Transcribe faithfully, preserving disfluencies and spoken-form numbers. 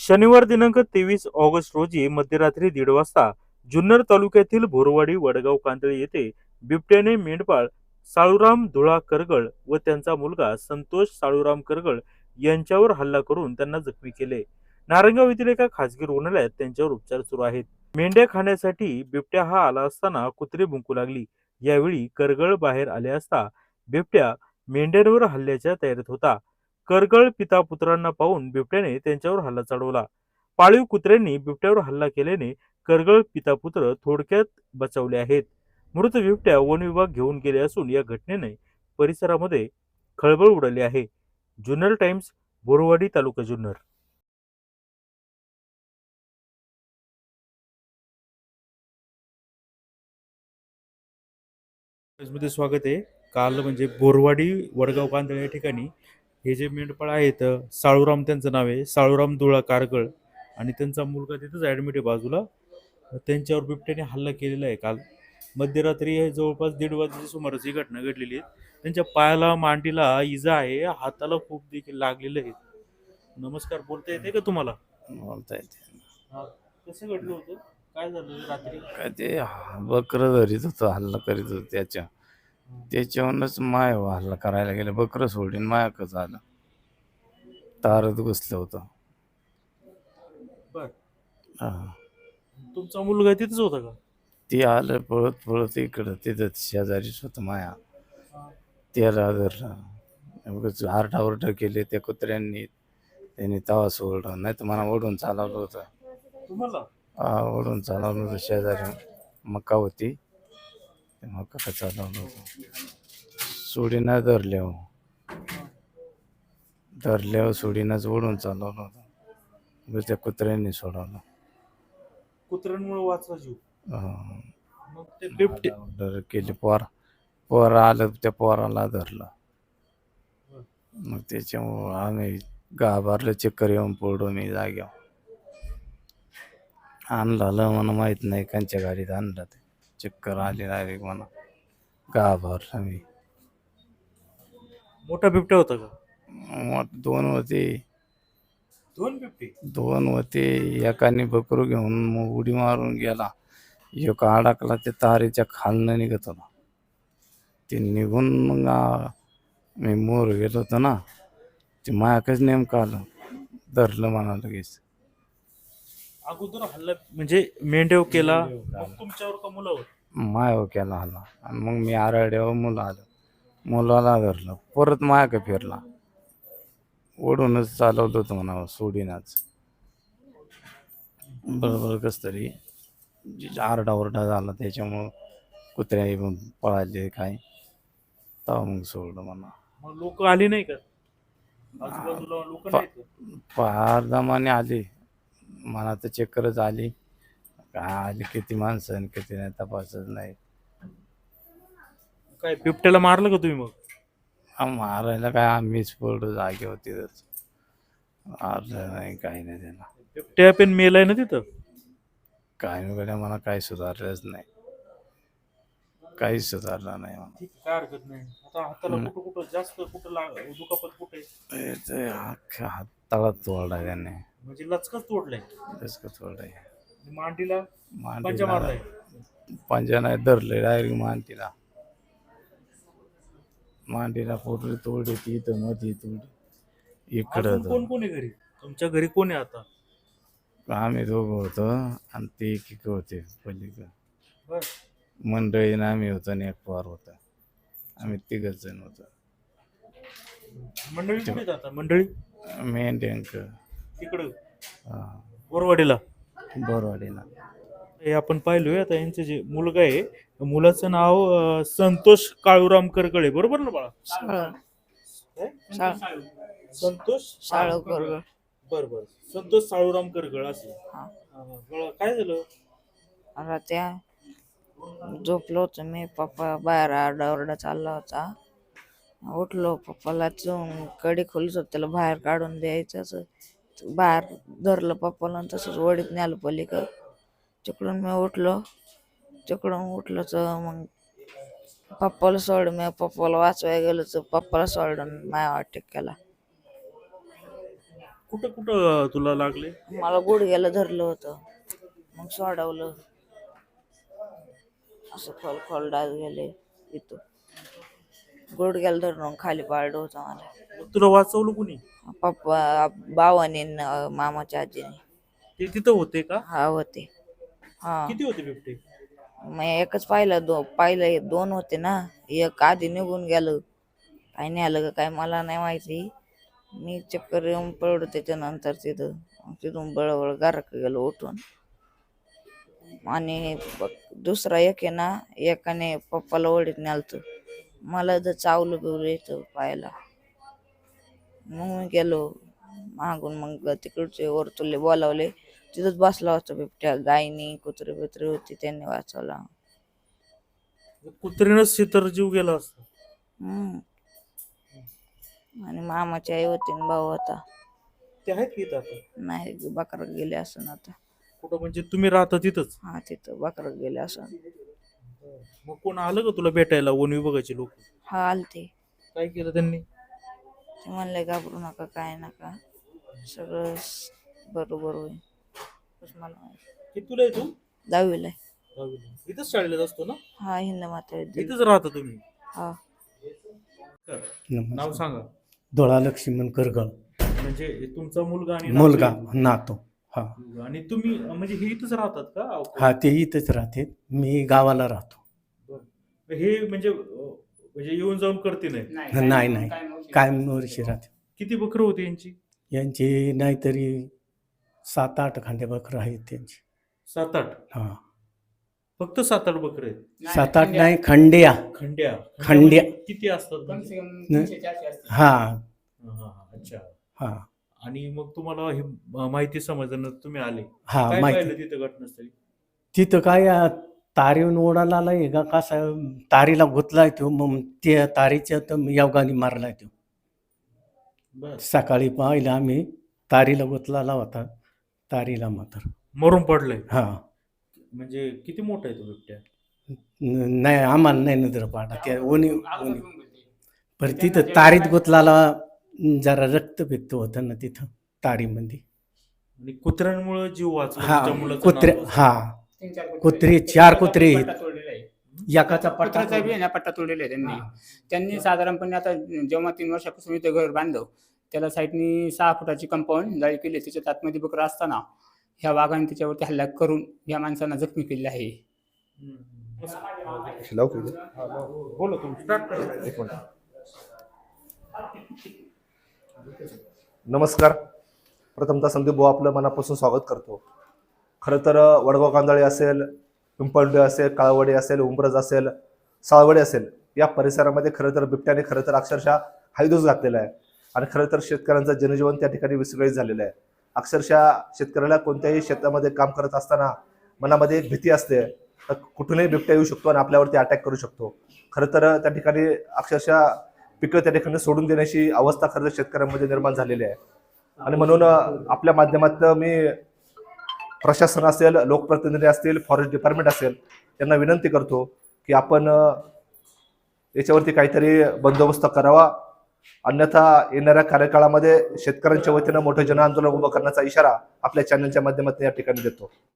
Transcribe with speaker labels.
Speaker 1: शनिवार दिनांक तेवीस ऑगस्ट रोजी मध्यरात्री दीड वाजता जुन्नर तालुक्यातील बोरवाडी वडगाव कांदळे येथे बिबट्याने मेंढपाळ साळूराम धुळा करगळ व त्यांचा मुलगा संतोष साळूराम करगळ यांच्यावर हल्ला करून त्यांना जखमी केले. नारायणगाव येथील एका खासगी रुग्णालयात त्यांच्यावर उपचार सुरू आहेत. मेंढ्या खाण्यासाठी बिबट्या हा आला असताना कुत्रे भुंकू लागली. यावेळी करगळ बाहेर आले असता बिबट्या मेंढ्यांवर हल्ल्याच्या तयारीत होता. करगळ पिता पुत्रांना पाहून बिबट्याने त्यांच्यावर हल्ला चढवला. पाळीव कुत्र्यांनी बिबट्यावर हल्ला केल्याने करगळ पिता पुत्र थोडक्यात बचावले आहेत. मृत बिबट्या वन विभाग घेऊन गेले असून या घटनेने परिसरामध्ये खळबळ उडाली आहे. जुन्नर टाइम्स, बोरवाडी, तालुका जुन्नर. मध्ये स्वागत आहे. काल म्हणजे बोरवाडी वडगाव कांदळे या ठिकाणी हे जे मेंढपाळ आहेत, साळूराम त्यांचं नाव आहे, साळूराम धुळा कारगळ, आणि त्यांचा मुलगा तिथंच ऍडमिट आहे बाजूला. त्यांच्यावर बिबट्याने हल्ला केलेला आहे. काल मध्यरात्री जवळपास दीड वाजेच्या सुमारास ही घटना घडलेली आहे. त्यांच्या पायाला मांडीला इजा आहे, हाताला खूप देखील लागलेलं आहे. नमस्कार, बोलता येते का तुम्हाला?
Speaker 2: बोलता येते.
Speaker 1: हा, कसं घडलं होतं? काय झालं रात्री?
Speaker 2: काय ते बकरं धरीत होतं, हल्ला करीत होतं त्याच्या त्याच्यावरूनच माय हल्ला करायला गेलं. बकरं सोडून मायाकच आलं, तारत घुसलं होतं.
Speaker 1: बर,
Speaker 2: हा,
Speaker 1: तुमचा मुलगा तिथंच होता का?
Speaker 2: ते आलं पळत पळत इकडं, तिथं शेजारीच होतं माया. त्याला धरलं, उगाच आरडाओरडा केले त्या कुत्र्यांनी. त्यांनी तवा सोडलं, नाही तर मला ओढून चालवलं होतं.
Speaker 1: तुम्हाला
Speaker 2: हा, ओढून चालवलं होतं. शेजारी मका होती, ते मका चालवलं होतं. सोडीनं धरल्यावर धरल्यावर सोडीनंच ओढून चालवलं होतं. उगाच त्या कुत्र्यांनी सोडवलं.
Speaker 1: कुत्र्यांमुळे वाचला जीव.
Speaker 2: अं,
Speaker 1: मग ते बिबटे
Speaker 2: आरडाओरडा केली. पोर पोर आलं, त्या पोराला धरलं. मग त्याच्यामुळं आम्ही घाबरलो, चक्कर येऊन पडलो मी जाग्यावर. आणलं मला माहित नाही, कांच्या गाडीत आणलं. ते चक्कर आली डायरेक्ट मला, घाबरलो मी.
Speaker 1: मोठा बिबट्या होता का?
Speaker 2: मग दोन होते
Speaker 1: दोन बिबटे?
Speaker 2: दोन होते एकाने बकरू घेऊन मग उडी मारून गेला. एक अडकला, ते तारेच्या खालनं निघत होता. ते निघून मग आ, मी मोर गेलो होतो ना, ते मायाकच नेमकं आलं, धरलं मला लगेच.
Speaker 1: अगोदर हल्ला म्हणजे मेंढ्यावर केला, मग तुमच्यावर का मुलावर?
Speaker 2: मायावर केला हल्ला, आणि मग मी आरड्यावर मुलं आलं, मुलाला धरलं, परत मायाक फिरला. ओढूनच चालवलं होतं म्हणा, सोडीनाच. बरोबर कस तरी आरडाओरडा झाला, त्याच्यामुळं कुत्र्या येऊन पळाले काय, तेव्हा मग सोडलं म्हणा.
Speaker 1: मग लोक आली नाही का आजूबाजूला? लोक नाहीत का?
Speaker 2: फार दमाने आली, मला तर चक्करच आली. काय आली, किती माणसं आणि किती नाही तपासच नाही.
Speaker 1: काय बिबट्याला मारलं का तुम्ही मग?
Speaker 2: हा, मारायला काय आम्हीच पडलो जागेवर, तिथंच मारलं नाही, काही नाही त्याला.
Speaker 1: बिबट्या पण मेलाय ना तिथं?
Speaker 2: काय नाही, मला काही सुधारलंच नाही, काहीच सुधारलं नाही मला.
Speaker 1: ठीक, काय हरकत नाही. आता हाताला कुठं कुठं जास्त कुठं लाग दुखापत कुठे?
Speaker 2: ते अख्ख्या हाताला तोडला त्याने,
Speaker 1: म्हणजे लचकच तोडलाय?
Speaker 2: कसं तोडलाय.
Speaker 1: मांडीला पंजा
Speaker 2: मांडीला
Speaker 1: मारलाय?
Speaker 2: पंजा नाही धरले, डायरेक्ट मांडीला. मांडीला पोटली तोडली, ती इथं मध्ये तोडली.
Speaker 1: अजून
Speaker 2: इकडं
Speaker 1: कोण कोण आहे घरी? तुमच्या घरी कोण आहे आता?
Speaker 2: आम्ही दोघं होतो, आणि ते एक होते पलीकडं
Speaker 1: बर,
Speaker 2: मंडळीनं आम्ही होतो, आणि एक पोर होता. आम्ही तिघच जण होतो.
Speaker 1: मंडळी कुठे आहेत आता? मंडळी
Speaker 2: मेन टँक
Speaker 1: तिकडं बोरवाडीला.
Speaker 2: बोरवाडीला.
Speaker 1: हे आपण पाहिलोय. आता यांचं जे मुलगा आहे, मुलाचं नाव अं, संतोष काळूराम करगळे, बरोबर ना बाळा? काय? संतोष
Speaker 3: शाळू करगळ.
Speaker 1: बर बर, संतोष साळूराम करगळ असे.
Speaker 3: हा.
Speaker 1: बाळा, काय झालं?
Speaker 3: आता त्या झोपलो होतो मी, पप्पा बाहेर आरडाओरडा चालला होता. उठलो, पप्पाला जाऊन कडी खोलीच होत, त्याला बाहेर काढून द्यायचं असं. बाहेर धरलं पप्पाला, आणि तसंच वडीत न्यालं पलीकडं. तिकडून मी उठलो, तिकडून उठलो तर मग पप्पाला सोड, मी पप्पाला वाचवायला गेलो तर पप्पाला सोडून माझ्या अटॅक केला.
Speaker 1: कुठं कुठं तुला लागले?
Speaker 3: मला गुडघ्याला धरलं होतं, मग सोडवलं. असं खोल खोल डास गेले इथं, गुडघ्याला धरून खाली पाडलं होतं मला.
Speaker 1: मग तुला वाचवलं कुणी?
Speaker 3: पप्पा, भावाने न मामाच्या आजीने.
Speaker 1: ते तिथं होते का?
Speaker 3: हा होते. हा
Speaker 1: किती होते बिबटे?
Speaker 3: मग एकच पाहिलं, दो पाहिलं दोन होते ना, एक आधी निघून गेलं. काय नाही आलं का काय मला नाही माहिती. मी चक्कर येऊन पडलो त्याच्यानंतर तिथं. मग तिथून बळबळ घराक गेलो उठून. आणि ब- दुसरा एक आहे ना, एकाने पप्पाला ओढीत नेलतं, मला जर चावलं बिवलं येतं पायाला. मग मी गेलो मागून, मग तिकडचे वरतुले बोलावले. तिथंच बसला होता बिबट्या. गायनी कुत्रे बित्रे होती, त्यांनी वाचवला.
Speaker 1: कुत्रीनंच तर जीव गेला असता.
Speaker 3: हम्म. आणि मामाची आई होती आणि भाऊ होता.
Speaker 1: ते आहेत की इथं आता?
Speaker 3: नाही, बकरा गेले असं आता.
Speaker 1: कुठं म्हणजे तुम्ही राहता तिथंच?
Speaker 3: हा तिथं बकरा गेले असं.
Speaker 1: मग कोण आलं का तुला भेटायला, वन विभागाचे लोक?
Speaker 3: हा आलते.
Speaker 1: काय केलं त्यांनी?
Speaker 3: ते म्हणले घाबरू नका, काय नका, सगळं स- बरोबर होईल. बस मला माहिती.
Speaker 1: कितीला आहे तू?
Speaker 3: दहावीला आहे.
Speaker 1: दहावीला. इथंच शाळेत असतो ना?
Speaker 3: हा हिंद माता विद्यालय.
Speaker 1: इथंच राहता तुम्ही?
Speaker 3: हा
Speaker 1: नाव सांगा.
Speaker 4: धोळा लक्ष्मण करगळ.
Speaker 1: म्हणजे तुमचा मुलगा आणि
Speaker 4: मुलगा
Speaker 1: नातू
Speaker 4: नातो. हा
Speaker 1: आहे? आणि तुम्ही म्हणजे हे इथंच राहतात का?
Speaker 4: हा ते इथंच राहते, मी गावाला राहतो.
Speaker 1: बरं. हे म्हणजे अं, म्हणजे येऊन जाऊन करते नाही?
Speaker 4: नाही नाही कायम वर्षी राहते.
Speaker 1: किती बकरं होती यांची?
Speaker 4: यांची नाहीतरी सात आठ खांदे बकरं आहेत त्यांची.
Speaker 1: सात आठ?
Speaker 4: हा
Speaker 1: फक्त सात आठ बकरे आहेत?
Speaker 4: सात आठ नाही, खंड्या.
Speaker 1: खंड्या?
Speaker 4: खंड्या.
Speaker 1: म्हणजे किती असतात म्हणजे?
Speaker 4: हा
Speaker 1: हा, हा, हा. अच्छा.
Speaker 4: हा
Speaker 1: आणि मग तुम्हाला हे म- माहिती समजल्यानंतर तुम्ही आले,
Speaker 4: हा
Speaker 1: काय
Speaker 4: माहिती.
Speaker 1: पाहिलं तिथं घटनास्थळी?
Speaker 4: तिथं काय आ, तारीहून ओढायला आलाय का कसा तारीला गुतलाय तो, मग त्या तारीच्या तर योगाने मारलाय तो.
Speaker 1: बर.
Speaker 4: सकाळी पाहिलं आम्ही, तारीला गुतलाला होता, तारीला मात्र.
Speaker 1: मरून पडलंय?
Speaker 4: हा
Speaker 1: म्हणजे किती मोठा आहे तो बिबट्या?
Speaker 4: न- नाही आम्हाला नाही नजर पाडा त्या ओनी ओनी पर तिथं तारीत गुतलाला जरा रक्त पित्त होतं ना तिथं तारीमध्ये.
Speaker 1: आणि कुत्र्यांमुळे जीव वाचला
Speaker 4: हा
Speaker 1: तुमच्या मुलाचं
Speaker 4: कुत्रे,
Speaker 1: नाव वाचलं.
Speaker 4: हा कुत्रे चार कुत्रे आहेत. एकाचा पट्टा
Speaker 5: पत्राचा बी आहे ना, पट्टा तोडलेला आहे त्यांनी. त्यांनी साधारणपणे आता जेव्हा तीन वर्षापासून इथं घर बांधलं, त्याला साईडनी सहा फुटाची कंपाऊंड जाळी केली. त्याच्यात आतमध्ये बकरं असताना ह्या वाघाने त्याच्यावरती हल्ला करून या माणसांना जखमी केले आहे.
Speaker 1: हम्म.
Speaker 6: लावू का इथे?
Speaker 1: हा, बरं. बोला तुम्ही, स्टार्ट करा.
Speaker 6: एक मिनिट. नमस्कार. प्रथमतः संदीप भाऊ आपलं मनापासून स्वागत करतो. खरं तर वडगाव कांदळे असेल, पिंपळडे असेल, काळवडे असेल, उंबरज असेल, साळवडे असेल, या परिसरामध्ये खरं तर बिबट्याने खरं तर अक्षरशः हायदोस घातलेला आहे. आणि खरं तर शेतकऱ्यांचं जनजीवन त्या ठिकाणी विस्कळीत झालेलं आहे. अक्षरशः शेतकऱ्याला कोणत्याही शेतामध्ये काम करत असताना मनामध्ये एक भीती असते, तर कुठूनही बिबट्या येऊ शकतो आणि आपल्यावरती अटॅक करू शकतो. खरं तर त्या ठिकाणी अक्षरशः पिकं त्या ठिकाणी सोडून देण्याची अवस्था खरं तर शेतकऱ्यांमध्ये निर्माण झालेली आहे. आणि म्हणून आपल्या माध्यमातून मी प्रशासन असेल, लोकप्रतिनिधी असतील, फॉरेस्ट डिपार्टमेंट असेल, यांना विनंती करतो की आपण याच्यावरती काहीतरी बंदोबस्त करावा. अन्यथा येणाऱ्या कार्यकाळामध्ये शेतकऱ्यांच्या वतीनं मोठं जनआंदोलन उभं करण्याचा इशारा आपल्या चॅनलच्या माध्यमातून या ठिकाणी देतो.